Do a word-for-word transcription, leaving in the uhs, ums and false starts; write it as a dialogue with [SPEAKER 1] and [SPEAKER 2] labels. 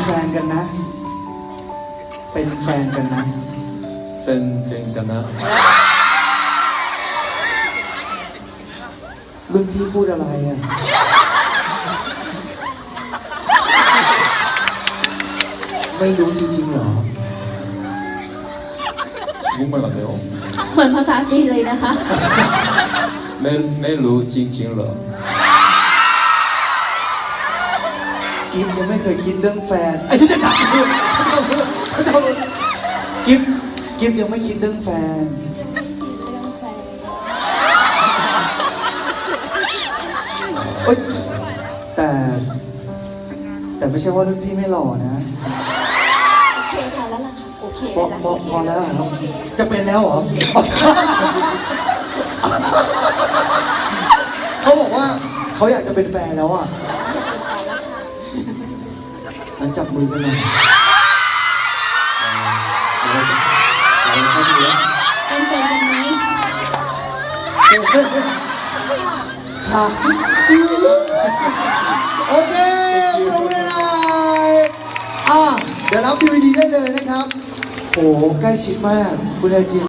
[SPEAKER 1] แฟนกันนะเป็นแฟนกันนะ
[SPEAKER 2] เป็นแฟนกันนะ
[SPEAKER 1] รุ่นพี่พูดอะไรอ่ะไม่รู้จริงๆเหรอ
[SPEAKER 2] 정말 안 돼요
[SPEAKER 3] เหมือนภาษาจีนเลยนะคะ
[SPEAKER 2] ไม่ไม่รู้จริงๆเหรอ
[SPEAKER 1] กิฟยังไม่เคยคิดเรื่องแฟนไอ้ที่จะถามเรื่องกิฟกิฟยังไม่คิดเรื่องแฟนเอ้ยแต่แต่ไม่ใช่ว่ารุ่นพี่ไม่หล่อนะ
[SPEAKER 4] โอเคพอแล้วล่ะค่ะโอเค
[SPEAKER 1] พอพอพอแล้วเหรอจะเป็นแล้วเหรอเขาบอกว่าเขาอยากจะเป็นแฟนแล้วอ่ะงั้นจับมือกันหน่อย
[SPEAKER 3] เป็นแฟนกันไหม
[SPEAKER 1] ค่ะโอเคปรบมือหน่อยอ่ะเดี๋ยวรับดีวีดีได้เลยนะครับโหใกล้ชิดมากคุณไอจี